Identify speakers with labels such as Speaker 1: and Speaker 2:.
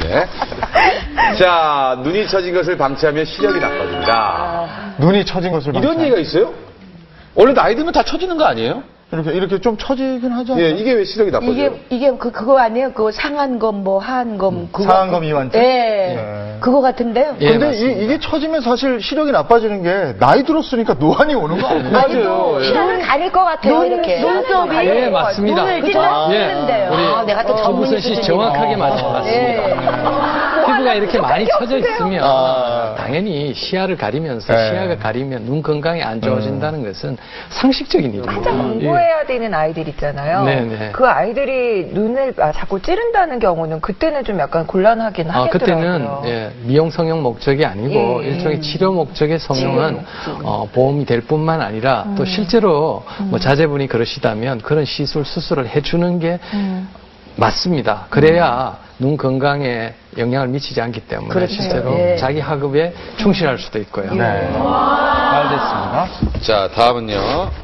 Speaker 1: 네. 자, 눈이 처진 것을 방치하면 시력이 나빠집니다.
Speaker 2: 눈이 처진 것을
Speaker 1: 이런
Speaker 2: 방치하는.
Speaker 1: 얘기가 있어요? 원래 나이 들면 다 처지는 거 아니에요?
Speaker 2: 이렇게 좀 처지긴 하지 않나요?
Speaker 1: 예, 이게 왜 시력이 나빠져요?
Speaker 3: 이게 그거 아니에요? 그거 상한검, 뭐, 하한검. 그거.
Speaker 2: 상한검 이완증?
Speaker 3: 예.
Speaker 2: 네.
Speaker 3: 그거 같은데요?
Speaker 4: 예,
Speaker 2: 근데
Speaker 4: 맞습니다.
Speaker 2: 이게 처지면 사실 시력이 나빠지는 게 나이 들었으니까 노안이 오는 거 아니에요?
Speaker 1: 맞아요. 예.
Speaker 3: 시력을 가릴 것 같아요, 이렇게.
Speaker 5: 눈썹이
Speaker 4: 예, 맞습니다.
Speaker 5: 눈을
Speaker 4: 예,
Speaker 5: 찔러주는데요.
Speaker 4: 우리
Speaker 3: 내가 또
Speaker 4: 허부선 씨
Speaker 3: 전문의
Speaker 4: 정확하게
Speaker 3: 수준이네.
Speaker 4: 맞습니다. 피부가 이렇게 많이 처져 있으면
Speaker 2: 아.
Speaker 4: 당연히 시야를 가리면서
Speaker 2: 네.
Speaker 4: 시야가 가리면 눈 건강이 안 좋아진다는 것은 상식적인 일입니다.
Speaker 5: 한참 공부해야 되는 아이들 있잖아요.
Speaker 4: 네네.
Speaker 5: 그 아이들이 눈을 자꾸 찌른다는 경우는 그때는 좀 약간 곤란하긴 하겠더라고요.
Speaker 4: 그때는 예, 미용 성형 목적이 아니고
Speaker 5: 예.
Speaker 4: 일종의 치료 목적의 성형은 보험이 될 뿐만 아니라 또 실제로 뭐 자제분이 그러시다면 그런 시술 수술을 해주는 게 맞습니다. 그래야 눈 건강에 영향을 미치지 않기 때문에
Speaker 3: 그렇죠.
Speaker 4: 실제로
Speaker 3: 예.
Speaker 4: 자기 학업에 충실할 수도 있고요.
Speaker 2: 네. 잘 됐습니다.
Speaker 1: 자, 다음은요.